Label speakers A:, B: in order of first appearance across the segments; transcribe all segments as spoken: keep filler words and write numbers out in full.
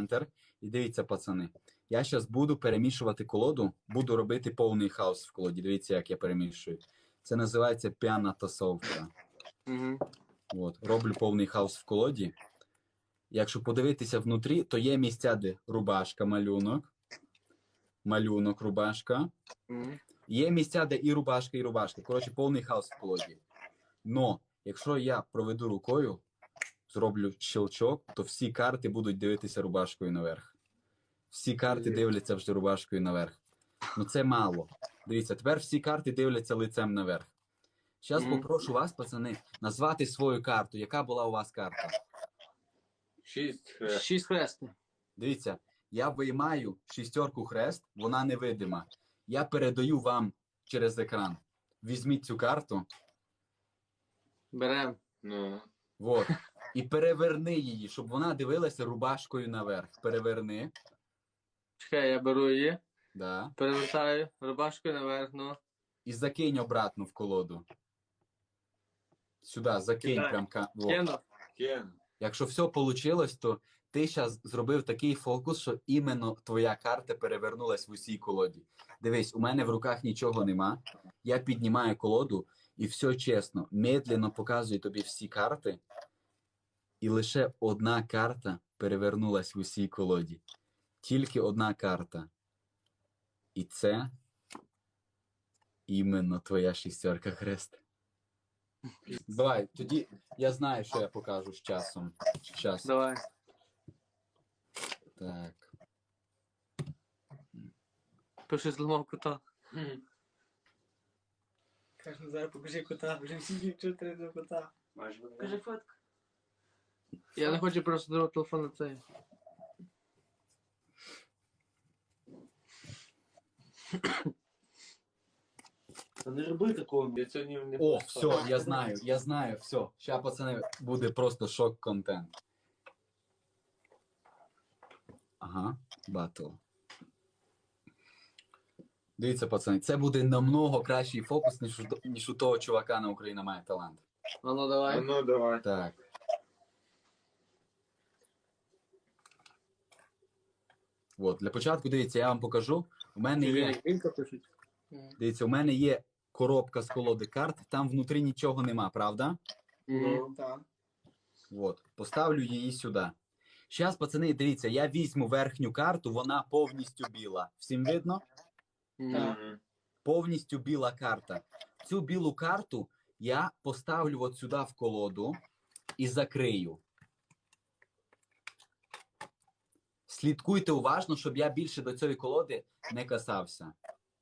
A: центр. І дивіться, пацани, я зараз буду перемішувати колоду, буду робити повний хаос в колоді. Дивіться, як я перемішую. Це називається п'яна тасовка.
B: Угу.
A: От, роблю повний хаос в колоді. Якщо подивитися внутрі, то є місця, де рубашка, малюнок, малюнок, рубашка.
B: Угу.
A: Є місця, де і рубашка, і рубашка. Коротше, повний хаос в колоді. Но, якщо я проведу рукою, зроблю щелчок, то всі карти будуть дивитися рубашкою наверх. Всі карти дивляться вже рубашкою наверх. Ну це мало. Дивіться, тепер всі карти дивляться лицем наверх. Зараз
B: Мгм.
A: попрошу вас, пацани, назвати свою карту. Яка була у вас карта?
C: Шість хрест.
B: Шість хрестів.
A: Дивіться, я виймаю шістерку хрест, вона невидима. Я передаю вам через екран. Візьміть цю карту,
B: Берем.
C: Ну.
A: вот, і переверни її, щоб вона дивилася рубашкою наверх. Переверни.
B: Чекай, я беру її,
A: Да.
B: перевертаю, рубашкою наверх, ну.
A: І закинь обратно в колоду. Сюди, закинь
B: Кидай.
A: прям. ка- во.
B: Кину.
C: Кен.
A: Якщо все вийшло, то ти зараз зробив такий фокус, що іменно твоя карта перевернулась в усій колоді. Дивись, у мене в руках нічого нема. Я піднімаю колоду і все чесно, медленно показую тобі всі карти. І лише одна карта перевернулась в усій колоді. Тільки одна карта. І це іменно твоя шістерка хрест. Давай, тоді я знаю, що я покажу з часом. Час.
B: Давай.
A: Так.
B: Пиши зламав кота.
D: Каже, зараз покажи кота, вже всі дівчата до кота. Кажи фотку.
B: Я не хочу просто другого телефон на цей.
C: Та не роби такого, я сьогодні не
A: О, все, я знаю, я знаю, все. Ща, пацани, буде просто шок-контент. Ага, батл. Дивіться, пацани, це буде намного кращий фокус, ніж у, ніж у того чувака на Україна має талант.
B: А ну давай.
C: Ну, давай.
A: Так. От, для початку, дивіться, я вам покажу. У мене є,
B: Вілька пишуть.
A: дивіться, у мене є коробка з колоди карт, там внутрі нічого нема, правда?
B: Угу.
D: Так.
A: От, поставлю її сюди. Зараз, пацани, дивіться, я візьму верхню карту, вона повністю біла. Всім видно?
C: Мгм.
A: Повністю біла карта. Цю білу карту я поставлю от сюди в колоду і закрию. Слідкуйте уважно, щоб я більше до цієї колоди не касався.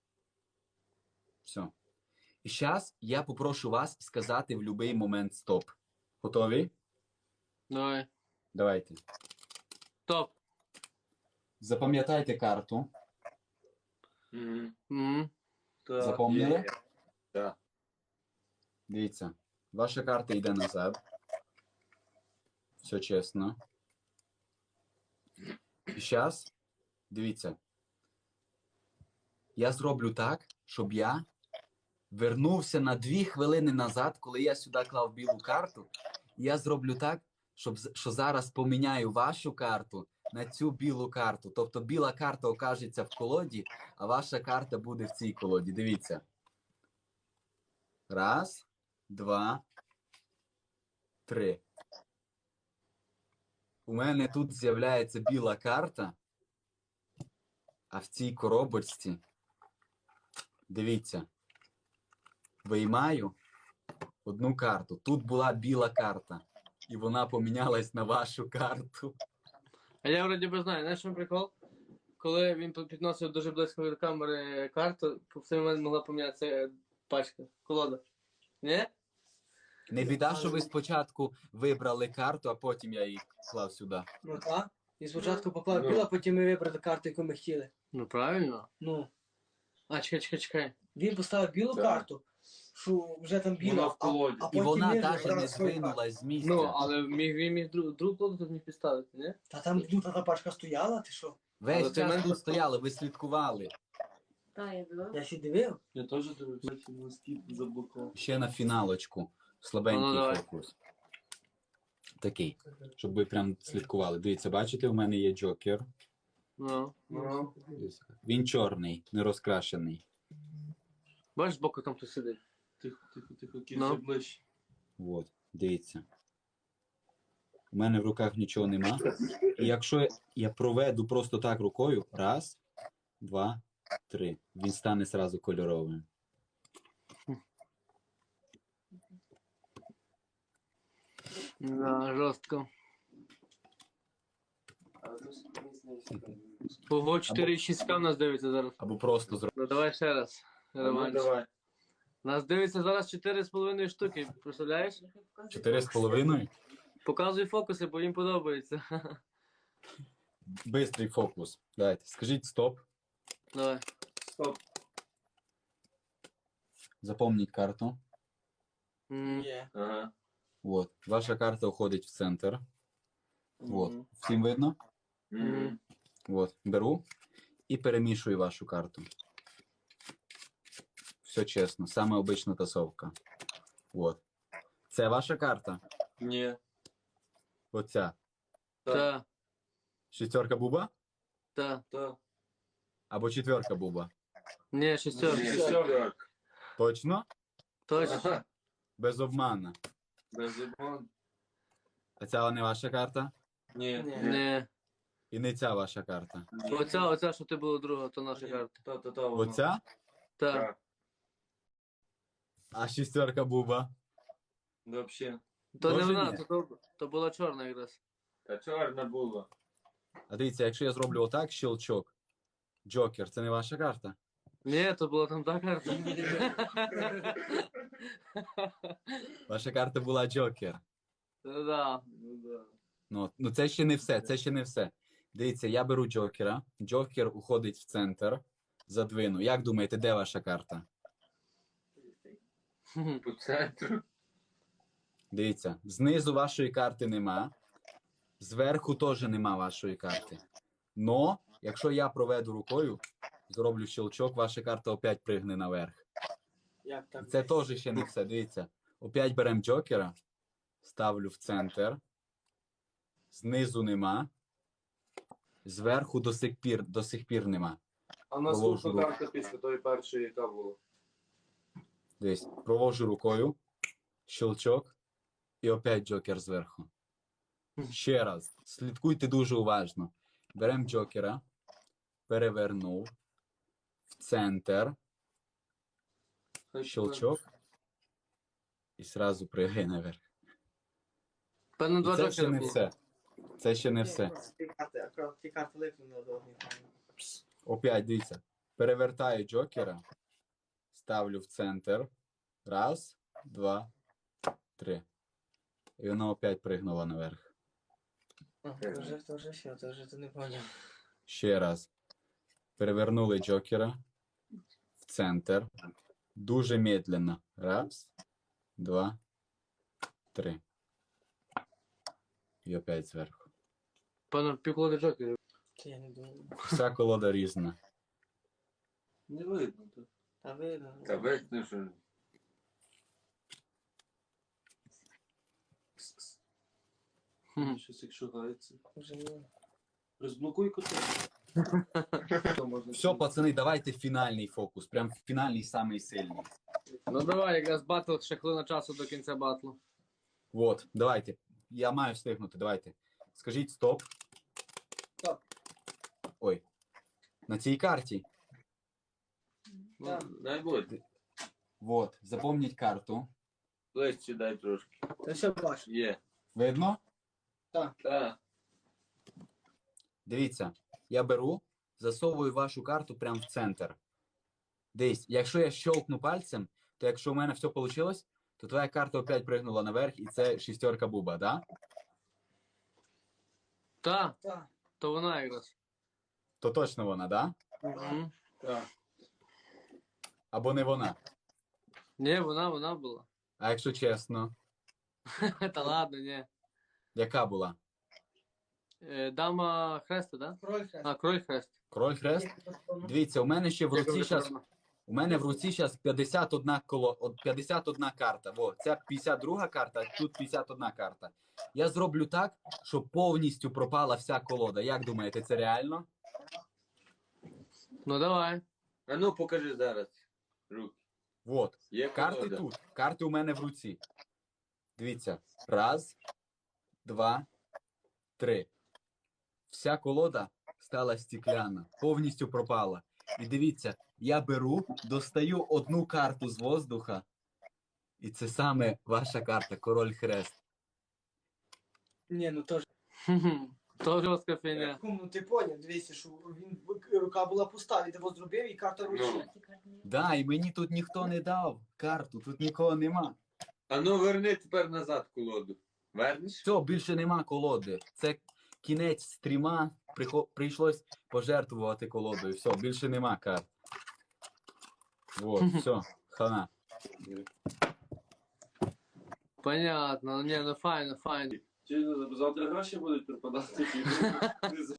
A: Все. І зараз я попрошу вас сказати в будь-який момент стоп. Готові?
B: Давай.
A: Давайте.
B: Топ.
A: Запам'ятайте карту.
C: Мгм.
B: Угу.
C: Так,
A: Запомнили?
C: є. Так.
A: Дивіться, ваша карта йде назад. Все чесно. І зараз, дивіться, я зроблю так, щоб я вернувся на дві хвилини назад, коли я сюди клав білу карту. Я зроблю так, щоб, з- що зараз поміняю вашу карту на цю білу карту. Тобто біла карта окажеться в колоді, а ваша карта буде в цій колоді. Дивіться. Раз, два, три. У мене тут з'являється біла карта, а в цій коробочці, дивіться, виймаю одну карту. Тут була біла карта, і вона помінялась на вашу карту.
B: А я вроді би знаю, знаєш, що прикол? Коли він підносив дуже близько від камери карту, в цей момент могла помінятися пачка, колода. Ні?
A: Не біда, що ви спочатку вибрали карту, а потім я її клав сюди.
D: Ну так. І спочатку поклав
C: Ну.
D: біла, потім ми вибрали карту, яку ми хотіли.
B: Ну правильно.
D: Ну.
B: А, чекай, чекай, чекай.
D: Він поставив білу
C: Так.
D: карту, що вже там біла,
C: Вона в колоді.
D: а, а
A: І
D: потім
A: вона
D: ми
A: навіть
D: вибрали
A: не
D: свою карту.
A: здвинулась з місця.
B: Ну, але міг, він міг друг, другу колоду тут міг підставити, ні?
D: Та там ну, та, та пачка стояла, ти що?
B: Але
A: Весь
B: ти
A: час
B: менше
A: тут стояли, ви слідкували.
E: Та, я дивилась.
D: Я сі дивив.
C: Я теж дивився, москіт заблокував.
A: Ще на фіналочку.
B: Ну,
A: Слабенький
B: давай.
A: фокус. такий, щоб ви прям слідкували. Дивіться, бачите, у мене є джокер.
B: Ну.
C: Ну.
A: Він чорний, не розкрашений.
B: Бачиш, збоку там хтось сидить.
C: Тихо, тихо, тихо,
B: Ну.
C: кільце ближче.
A: От, дивіться. У мене в руках нічого нема. І якщо я проведу просто так рукою, раз, два, три, він стане зразу кольоровим.
B: Да, жорстко. Ого, чотири шість к нас дивиться зараз.
A: Або просто зробити.
B: Ну давай ще раз.
C: Ну,
B: Реванш.
C: давай.
B: Нас дивиться зараз чотири з половиною штуки, представляєш?
A: Чотири з половиною.
B: Показуй фокуси, бо їм подобається.
A: Бистрий фокус. Давайте, скажіть стоп.
B: Давай.
C: Стоп.
A: Запомніть карту.
B: М,
D: Є.
C: Ага.
A: От. Ваша карта уходить в центр. От.
C: Мгм.
A: Всім видно?
C: Мгм.
A: От. Беру і перемішую вашу карту. Все чесно, саме обична тасовка. От. Це ваша карта?
C: Ні.
A: Оця.
B: Та,
A: Шістерка буба?
B: та.
C: Та.
A: Або четверка буба?
B: Ні, шістерка.
C: Ні, шістерка.
A: Точно?
B: Точно.
C: Ага.
A: Без обману.
C: Без обману.
A: А ця не ваша карта?
C: Ні.
D: Ні.
B: Ні.
A: І не ця ваша карта.
C: Ні.
B: Оця, оця, що ти була друга, то наша карта.
C: Та, та, та, воно.
A: Оця?
B: Та.
C: Так.
A: А шістерка буба?
C: Вообще.
B: То не
A: Тоже
B: вона,
A: ні?
B: то, то, то була чорна якраз.
C: Та чорна була.
A: А дивіться, якщо я зроблю отак, щелчок. Джокер, це не ваша карта?
B: Ні, то була там та карта.
A: Ваша карта була Джокер.
B: Ну да.
C: Ну да.
A: Ну, ну це ще не все, це ще не все. Дивіться, я беру Джокера. Джокер уходить в центр. Задвину. Як думаєте, де ваша карта?
C: По центру.
A: Дивіться, знизу вашої карти нема. Зверху теж нема вашої карти. Но, якщо я проведу рукою, зроблю щелчок, ваша карта опять пригне наверх.
D: Як так?
A: Це теж ще не все. Дивіться. Опять беремо Джокера, ставлю в центр. Знизу нема. Зверху до сих пір, до сих пір нема.
C: А
A: наступна руку.
C: карта після тої першої, яка була?
A: Дивись, провожу рукою, щелчок, і опять Джокер зверху. Ще раз. Слідкуйте дуже уважно. Беремо Джокера, перевернув, в центр, щелчок, і зразу пригай наверх.
B: Певно,
A: І
B: два
A: це ще
B: джокера
A: не
B: було.
A: все. Це ще не
D: Ні,
A: все.
D: просто ті карти, акурат ті карти липнули до однієї.
A: Опять, дивіться. Перевертаю Джокера, ставлю в центр. Раз, два, три. І воно опять пригнуло наверх.
D: Це вже, це вже все, це вже ти не поняв.
A: Ще раз. Перевернули Джокера в центр. Дуже медленно. Раз, два, три. І опять зверху.
B: Певно, півколоди джокерів.
D: Це я не думаю.
A: Вся колода різна.
C: Не видно. Та,
D: Та видно.
C: та видно, що...
B: Хм.
C: Щось як шугається.
D: Вже ні.
C: Розблокуй кота.
A: Все, пацани, давайте фінальний фокус. Прям фінальний, самий сильний.
B: Ну давай, якраз батл, ще хвилина часу до кінця батлу.
A: Вот, давайте. Я маю встигнути, давайте. Скажіть стоп.
D: Стоп.
A: Ой. На цій карті.
B: Ну,
D: Так.
C: Дай буде.
A: Вот, запомніть карту.
C: Ближче дай трошки.
D: Це все бачу.
C: Є.
A: Видно?
C: Так.
A: Дивіться, я беру, засовую вашу карту прямо в центр. Дивись, якщо я щелкну пальцем, то якщо у мене все вийшло, то твоя карта опять пригнула наверх, і це шістерка буба, да?
B: Та,
D: Так.
B: то вона якраз.
A: То точно вона, да?
B: Мгм.
C: Так.
A: Або не вона.
B: Ні, вона, вона була.
A: А якщо чесно,
B: Та ладно, ні.
A: яка була?
B: Е, Дама хреста, да?
D: Кроль хрест.
B: А, кроль хрест.
A: Король хрест? Дивіться, у мене ще в
B: Як
A: руці
B: дуже
A: зараз
B: правильно.
A: У мене в руці зараз п'ятдесят одна коло... от п'ятдесят одна карта. Во, це п'ятдесят друга карта, а тут п'ятдесят одна карта. Я зроблю так, щоб повністю пропала вся колода. Як думаєте, це реально?
B: Ну давай.
C: А ну покажи зараз. Руки.
A: Вот.
C: Є
A: Карти
C: колода?
A: тут. Карти у мене в руці. Дивіться. Раз, два, три. Вся колода стала стекляна. Повністю пропала. І дивіться, я беру, достаю одну карту з воздуха. І це саме ваша карта, король хрест.
D: Ні, ну то ж.
B: Хм-хм. То жорстка фігня.
D: Кум, ну ти поняв, дивися, що він рука була пуста, він тебе зробив і карта ручна.
A: Да, і мені тут ніхто не дав карту, тут нікого нема.
C: А ну верни тепер назад колоду. Вернеш?
A: Все, більше нема колоди. Це кінець стріма, прихо- прийшлось пожертвувати колодою. Все, більше нема карт. Вот, все, хана.
B: Понятно. Ну, ні, ну файно, файно.
F: Чи завтра гроші будуть припадати?